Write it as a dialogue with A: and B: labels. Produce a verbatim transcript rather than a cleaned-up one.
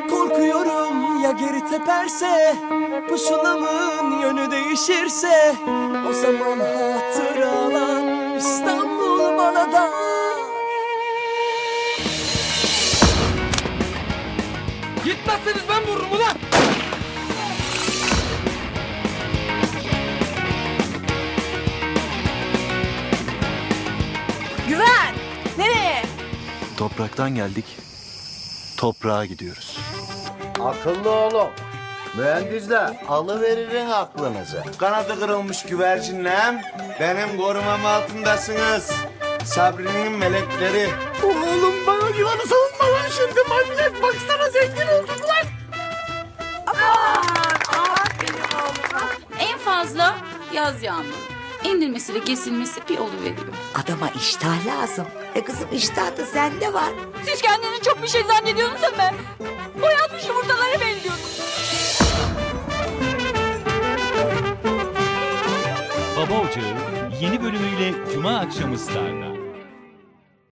A: Korkuyorum ya geri teperse, pusulamın yönü değişirse, o zaman hatıralar İstanbul bana dar.
B: Gitmezseniz ben vururum ulan!
C: Güven! Nereye?
D: Topraktan geldik, toprağa gidiyoruz.
E: Akıllı oğlum. Mühendisler alıveririn aklınızı.
F: Kanadı kırılmış güvercinlem, benim korumam altındasınız. Sabri'nin melekleri.
A: Oğlum bana yılanı savunma lan şimdi manyak, baksana zengin olduk lan.
C: En fazla yaz yağmuru. İndirmesiyle kesilmesi bir oluveriyor.
G: Adama iştah lazım. E kızım iştah da sende var.
C: Siz kendinizi çok bir şey zannediyorsunuz ama boyanmış yumurtalara benziyorsunuz.
H: Baba Ocağı yeni bölümüyle Cuma akşamı Star'da.